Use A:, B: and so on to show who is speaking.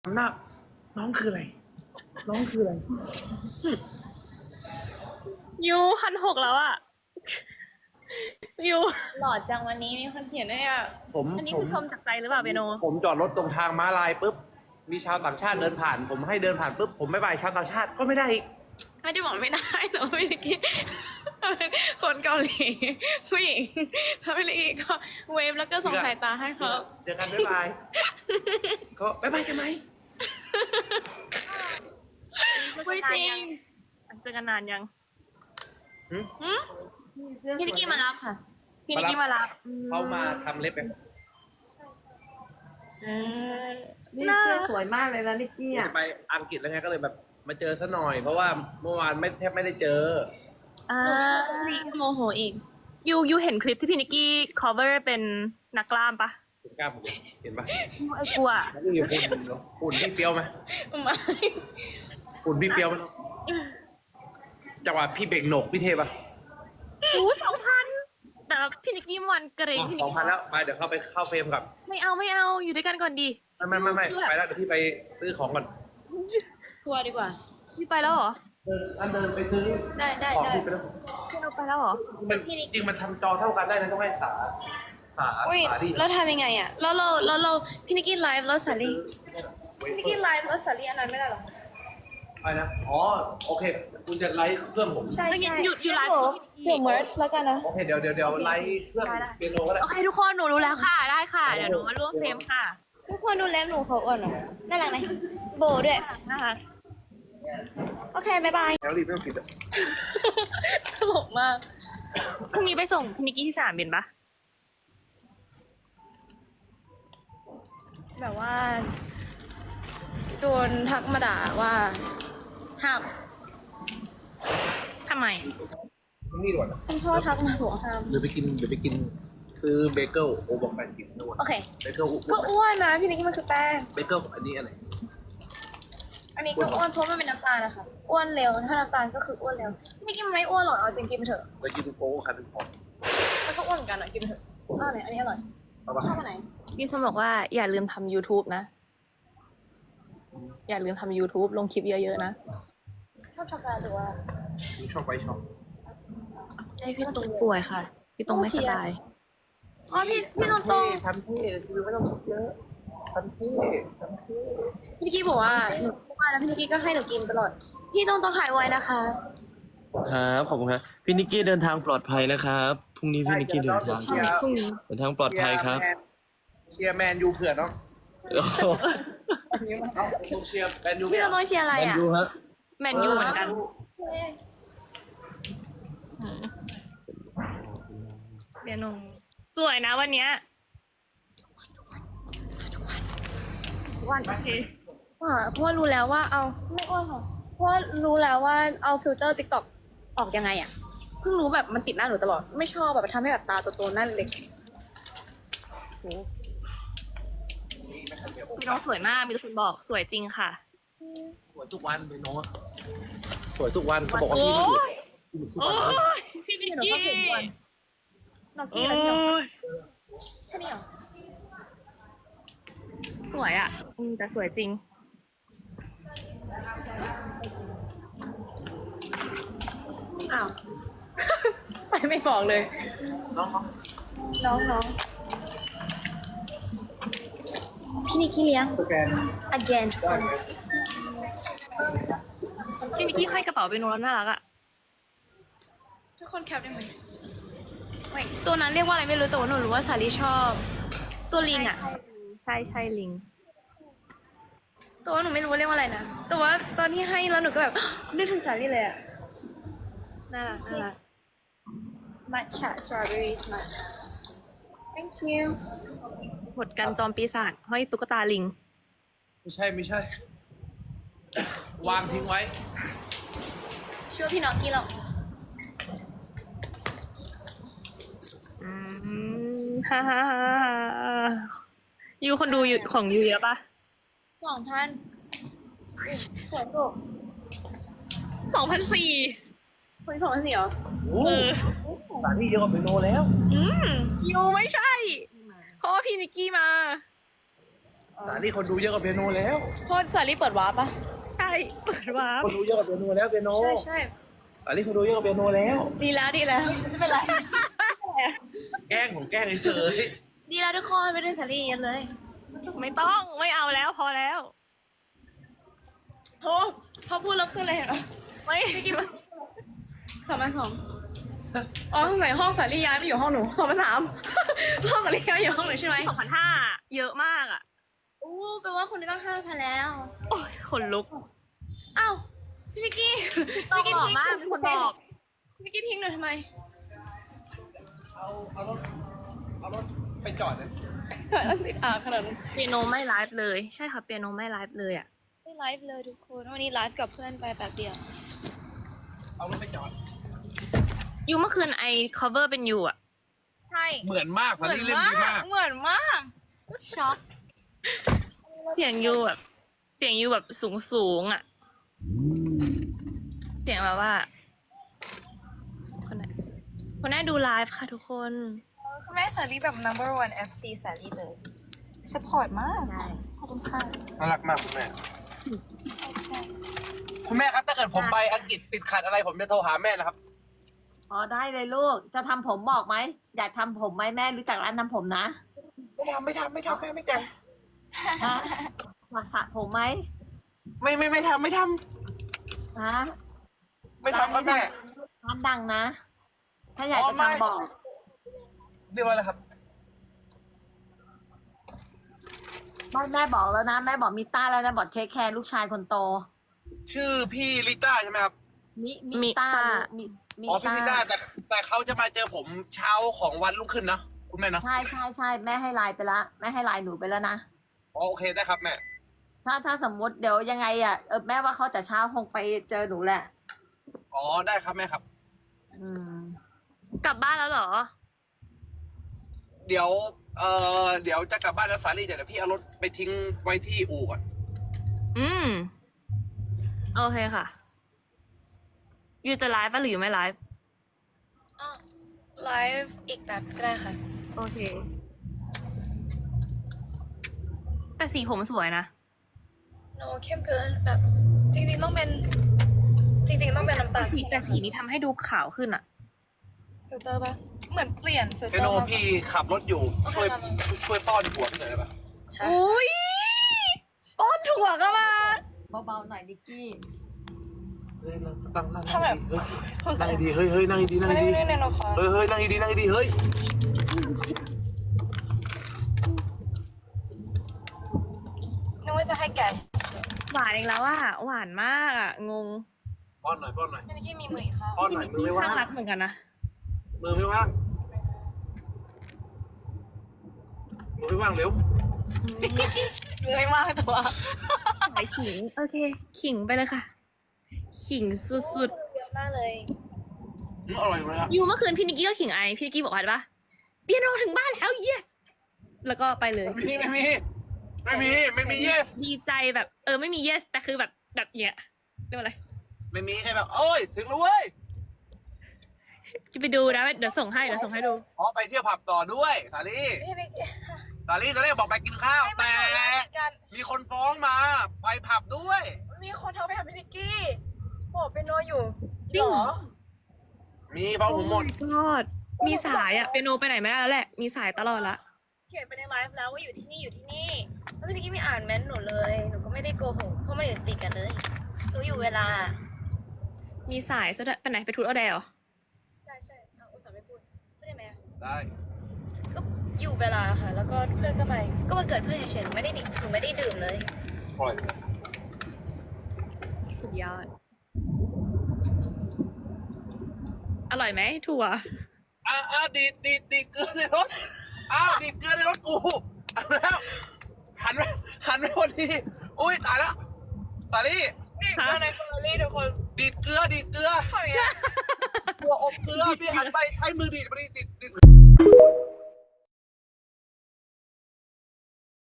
A: หน้าน้องคืออะไรน้องคืออะไร
B: ยู1,600แล้วอะยู
C: หล่อจังวันนี้มีคนเขียนด้วยอ่ะ
B: อันนี้คือชมจากใจหรือเปล่าเบโน
A: ผมจอดรถตรงทางม้าลายปุ๊บมีชาวต่างชาติเดินผ่านผมให้เดินผ่านปุ๊บผมไม่บายชาวต่างชาติก็ไม่ได้อีก
C: ไม่ได้บอกไม่ได้หนูไม่ได้คิดเป็นคนเกาหลีผู้หญิงถ้าไม่ได้ก็เวฟแล้วก็ส่งสายตาให้เขา
A: เจอกันบ๊ายบายก็บ๊ายบายกันไหม
C: ไม่จริง
B: เจอกันนานยัง
C: พี่นิกกี้มารับค่ะ
B: พี่นิกกี้มารับ
A: เขามาทำเล็บไป
D: นี่เสื้อสวยมากเลยนะนิกกี้อ่ะ
A: ไปอังกฤษแล้วไงก็เลยแบบมาเจอซะหน่อยเพราะว่าเมื่อวานแทบไม่ได้เจอ
C: รีโมโหอีก
B: ยูเห็นคลิปที่พี่นิกกี้ cover เป็นนักกล้ามปะ
A: คุณกล้าผมเห็นปะ
B: ไอ้กลัว
A: แล้วนี่หุ่นพี่เฟี้ยวไหม
C: ไม่
A: หุ่นพี่เฟี้ยวไหมจังหวะพี่เบ่งโหนกพี่เทปะ
B: 2,000แต่พี่นิกกี้มันเกรงพี่นิก
A: 2,000
B: กี้
A: แล้วไปเดี๋ยวเข้าไปเข้าเฟรมกับ
B: ไม่เอาอยู่ด้วยกันก่อนดี
A: ไม่ไปแล้วเดี๋ยวพี่ไปซื้อของก่อน
C: ทัวร์ดีกว่า
B: พี่ไปแล้วเหรอ
A: เดินไปซื้อ
C: ได้
A: ของพี่ไปแล้ว
B: พี่เราไปแล้วเหรอ
A: มันจริงมันทำจอเท่ากันได้นะต้องให้สา
C: อุ้ย
A: ดิ
C: แล้วทำยังไงอ่ะแล้วพี่นิกกี้ไลฟ์แล้วสาลีพี่นิกกี้ไลฟ์แล้วสาลีอันนั้นไม่ได้หรอ
A: อะไรนะอ๋อโอเคคุณจะไลฟ์เครื่องผม
C: ใช่
B: อยู่ไลฟ์
C: เดี๋ยวเมิร์ชแล้วกันนะ
A: โอเคเดี๋ยวไลฟ์เครื่องเปียโนก็ได้
B: โอเคทุกคนหนูรู้แล้วค่ะได้ค่ะเดี๋ยวหนูมาร่วมเฟรมค่ะ
C: ทุกคนดูเล็บหนูเขาอ่อนเหรอน่ารักไหมโบด้วย
B: นะคะ
C: โอเคบายบาย
A: แล้วรีบไม่ต้องปิดอ่ะ
B: ตลกมากพรุ่งนี้ไปส่งพี่นิกกี้ที่สนามบินปะ
C: แบบว่าโดนทักมาด่าว่าห้าม
B: ทำไม
A: นี่ด่วน
C: คุณพ่อทักมาบอกห้าม
A: หรือไปกินซื้อเบเกิลโอบอกแปดกินด่วน
C: โอเค
A: เบเกิล
C: ก็อ้วนนะพี่นิกกี้มันคือแป้ง
A: เบเกิลอันนี้อะไร
C: อันนี้ก็อ้วนเพราะมันเป็นน้ำตาลนะคะอ้วนเร็วถ้าน้ำตาลก็คืออ้วนเร็วพี่นิกกี้มันไม่อ้วนหรอกเอาจริงกินไปเถอะ
A: ไปกินโก้คันเป็นของ
C: มันก็อ้วนเหมือนกันอ่ะกินไปเถอะอ้าวไหนอันนี้อร่อย
A: เอาปะ
C: ชอบอันไหน
B: มีคนบอกว่าอย่าลืมทำ YouTube นะ อย่าลืมทำ YouTube ลงคลิปเยอะๆนะ
C: ชอบช็อกโกแลตหรือว่า
A: นี่ชอบไปชอบ
B: ให้พี่ตรงป่วยค่ะ พี่ตรงไม่สบาย
C: อ๋อพี่ตรงตรง
A: ทำเท่คือไม่ต้องคิดเยอะทำเท่
C: พี่นิกกี้บอกว่าหนูอ้วนแล้วพี่นิกกี้ก็ให้หนูกินตลอดพี่ตรงหายไวนะคะ
E: ครับขอบคุณครับพี่นิกกี้เดินทางปลอดภัยนะครับพรุ่งนี้พี่นิกกี้เดินทาง
B: ใช่พรุ่งนี้
E: เดินทางปลอดภัยครับ
A: เชียร์แมนยูเผื่อเนาะ
E: โอ้โห
A: ต้องเชียร์แมนยู
C: พี่ตรงเชียร์อะไร
E: แมน
C: อ่ะ
E: ยูฮะ
B: แมนยูเหมือนกันเดี๋ยวหนูสวยนะวันเนี้ยสวยทุกวันโอเค
C: เพราะว่ารู้แล้วว่าเอาไม่อ้วนค่ะเพราะว่ารู้แล้วว่าเอาฟิลเตอร์ติ๊กต็อกออกยังไงอ่ะเพิ่งรู้แบบมันติดหน้าหนูตลอดไม่ชอบแบบทำให้แบบตาโตๆหน้าเล็ก
B: พี่น้องสวยมาก มีทุกคนบอกสวยจริงค่ะ
A: สวยทุกวันเลยเนาะสวยทุกวันเขาบอกว่า
B: โอ้
A: พี่
B: ยโอ้ยพี่นิกกี้
C: ๆน้อง
B: โอ้
C: กี้แล้วพี่น้อง
B: ย
C: แค่นี้เหรอ
B: สวยอ่ะแต่สวยจริง
C: อ้าว ไปไม่บอกเลย
A: น้อง
C: น้องพี่นิกกี้เลี้ยง
A: สแกน
C: again
B: พี่นิกกี้ห้อยกระเป๋าไปโน้ตน่ารักอ่ะ
C: ทุกคนแคปได้ไหมไม่ตัวนั้นเรียกว่าอะไรไม่รู้แต่ว่าหนูรู้ว่าสาลีชอบ ตัวลิงอ่ะ
B: ใช่ลิง
C: ตัวหนูไม่รู้ว่าเรียกว่าอะไรนะแต่ว่าตอนที่ให้แล้วหนูก็แบบ นึกถึงสาลีเลยอ่ะน่ารักmatcha strawberries matcha thank you
B: หมดกันจอมปีศาจห้อยตุ๊กตาลิง
A: ไม่ใช่ วางทิ้งไว้
C: ช่วยพี่น้องกี้หรอก
B: ฮ่าฮ่ายูคนดูของยูเยอะปะ
C: 2,000สวยถูก
B: 2,400
C: คน2,400เหรอ
A: โอ้สถานที่เยอะกว่าเปโนแล้ว
B: ยูไม่ใช่ เพราะว่าพี่นิกกี้มา
C: อ
A: สาลี่คนดูเยอะกว่าเปียโนแล้ว
C: เพราะสาลี่เปิดวาร์ปปะ
B: ใช่เปิดวาร์ป
A: คนดูเยอะกว่าเปียโนแล้วเปียโน
C: ใช่
A: สาลี่คนดูเยอะกว่าเปียโนแล้ว
C: ดีแล้วไม่เป็นไร
A: แกล้งผมแกล้งเฉย
C: ดีแล้วทุกคนไม่ได้สาลี่เยอะเลย
B: ไม่ต้องไม่เอาแล้วพอแล้ว
C: โอ้พอพูดแล้วขึ้นเลยเหรอ
B: ไม่
C: พี่กิ๊บ2,200อ๋อสงสัยห้องสาลี่ย้ายไปอยู่ห้องหนู2,300ห้องสาลี่ย้ายอยู่ห้องหนูใช่ไหม
B: 2,500เยอะมากอ่ะ
C: อู้แปลว่าคนนี้ต้อง5,000แล้ว
B: โอ้ยขนลุก
C: อ้าวพี่นิกกี้
B: ต้องบอกมากมีคนบอก
C: พี่นิกกี้ทิ้งหนูทำไม
A: เอารถไปจอดเลย
C: ติดขนาดนั้น
B: เปียโนไม่ไลฟ์เลย ใช่ค่ะเปียโนไม่ไลฟ์เลยอ่ะ
C: ไม่ไลฟ์เลยทุกคนวันนี้ไลฟ์กับเพื่อนไปแป๊บเดียว
A: เอารถไปจอด
B: ยูเมื่อคืนไอ cover เป็นยูอ่ะ
C: ใช่
A: เหมือนมากสาลี่เล่นดีมาก
C: เหมือนมากช็อก
B: เสียงยูแบบ เสียงยูแบบสูงอ่ะ เสียงแบบว่า คนไหนดูไลฟ์ค่ะทุกคน
C: คุณแม่สาลี่แบบ number one FC สาลี่เลย support มากขอบคุณค่ะ
A: น่ารักมากคุณแม่
C: ใช่
A: คุณแม่ครับถ้าเกิดผมไปอังกฤษติดขัดอะไรผมจะโทรหาแม่นะครับ
D: อ๋อได้เลยลูก จะทำผมบอกไหม อยากทำผมไหมแม่รู้จักร้านทำผมนะ
A: ไม่ทำแม่ไม่แต่ง
D: ฮะอยากสระผมไหม
A: ไม่ทำ
D: ฮะ
A: ไม่ทำครับแม่
D: ร้านดังนะ ถ้าอยาก
A: อ๋
D: จะ
A: อไม่
D: ทำบอก
A: เรียกว่าอะไรครับ
D: แม่บอกแล้วนะ แม่บอกมิต้าแล้วนะบอกเทคแคร์ลูกชายคนโต
A: ชื่อพี่ลิต้าใช่ไหมครับ
D: มิต้า
A: อ๋อพี่ลิต้าแต่เขาจะมาเจอผมเช้าของวันรุ่งขึ้นนะคุณแม่เนาะ
D: ใช่แม่ให้ไลน์ไปละแม่ให้ไลน์หนูไปแล้วนะ
A: อ๋อโอเคได้ครับแม่
D: ถ้าสมมุติเดี๋ยวยังไงอ่ะแม่ว่าเขาแต่เช้าคงไปเจอหนูแหละ
A: อ๋อได้ครับแม่ครับ
D: อืม
B: กลับบ้านแล้วเหรอ
A: เดี๋ยวจะกลับบ้านแล้วสาลี่เดี๋ยวพี่เอารถไปทิ้งไว้ที่อู่ก่อน
B: อืม โอเคค่ะ ยูจะไลฟ์ป่ะหรือยูไม่ไลฟ์
C: ไลฟ์อีกแบบก็ได้ค่ะ
B: โอเค แต่สีผมสวยนะ
C: โนเข้มเกินแบบจริงๆต้องเป็นน้ำตาล
B: แต่สีนี้ทำให้ดูขาวขึ้นอะ
C: ฟิลเตอร์ปะเหมือนเปลี่ยนฟิลเต
A: เอ
C: อร์
A: โน
C: มา
A: พี่ขับรถอยู่ช่วยป้อนหัวพี่หน่อยได้ปะ
B: อุ้ยป้อนถั่วก็มา
D: เบาๆหน่อยดิกกี้
A: เฮ้ยนั่งดีเฮ้ยนั่งดี
C: ไม่ได้ในละคร
A: เฮ้ยนั่งดีเฮ้ย
C: นึกว่าจะให้แกะ
B: หวานอีกแล้วอะหวานมากอะงง
A: ป้อนหน่อย
C: พี่นิกกี้มีมืออีกค่ะ
A: ป้อนหน่อยมือไม่ว่า
B: ข้าง งรักเหมือนกันนะ
A: มือไม่ว่างเร็ว
C: มือไม่มากตัว
B: สายขิง โอเค ขิงไปเลยค่ะ ขิงสุด
C: เยอะมากเลย
A: อร่อยเลยครับ
B: ๆยูเมื่อคืนพี่นิกกี้ก็ขิงไอพี่นิกกี้บอกว่าอะไรปะเปียโนถึงบ้านแล้ว yes แล้วก็ไปเลย
A: ไม่มี yes
B: ดีใจแบบไม่มี yes แต่คือแบบเนี้ยเรียกว่าอะไร
A: ไม่มีแค่แบบโอ้ยถึงแล้วเว้ย
B: จะไปดูนะเดี๋ยวส่งให้ดู
A: อ๋อไปเที่ยวผับต่อด้วยสาลี่
C: พี่นิกกี้
A: ตอนแรกบอกไปกินข้าวแต่
C: กัน
A: มีคนฟ้องมาไปผับด้วย
C: มีคนโทรไปหาพี่นิกกี้บอกเป็นโนอยู่
B: จริงเหรอ
A: มีฟ้องผมหมด
B: ยอดมีสายอะเปียโนไปไหนไม่ได้แล้วแหละ มีสายตลอดละ
C: เขียนไปในไลฟ์แล้วว่าอยู่ที่นี่แล้วพี่นิกกี้ไม่อ่านเม้นต์หนูเลยหนูก็ไม่ได้โกหกเพราะมันอยู่ติดกันเลยหนูอยู่เวลา
B: มีสายซะด้วยไปไหนไปทูตเอาแดเหรอ
C: ใช่เอาอุตส่าห์ไม่พูดได้ไหม
A: ได้
C: ก็อยู่เวลาค่ะ แล้วก็เพื่อนก็ไปก็วันเกิดเพื่อนเฉยๆหนูไม่ได้ดื่มเลย
A: ปล่อย
B: สุดยอด อร่อยไหมถั่ว
A: ดีดเกลือในรถดีดเกลือในรถกูเอาแล้วหันไปพอดีอุ้ยตายแล้วสาลี่
C: นี่ก็ในเฟอร์รี่ทุกคน
A: ดีดเกลือ
C: ทำอย่างเงี้ย
A: ตัวอบเกลือพี่หันไปใช้มือดีดมาดีด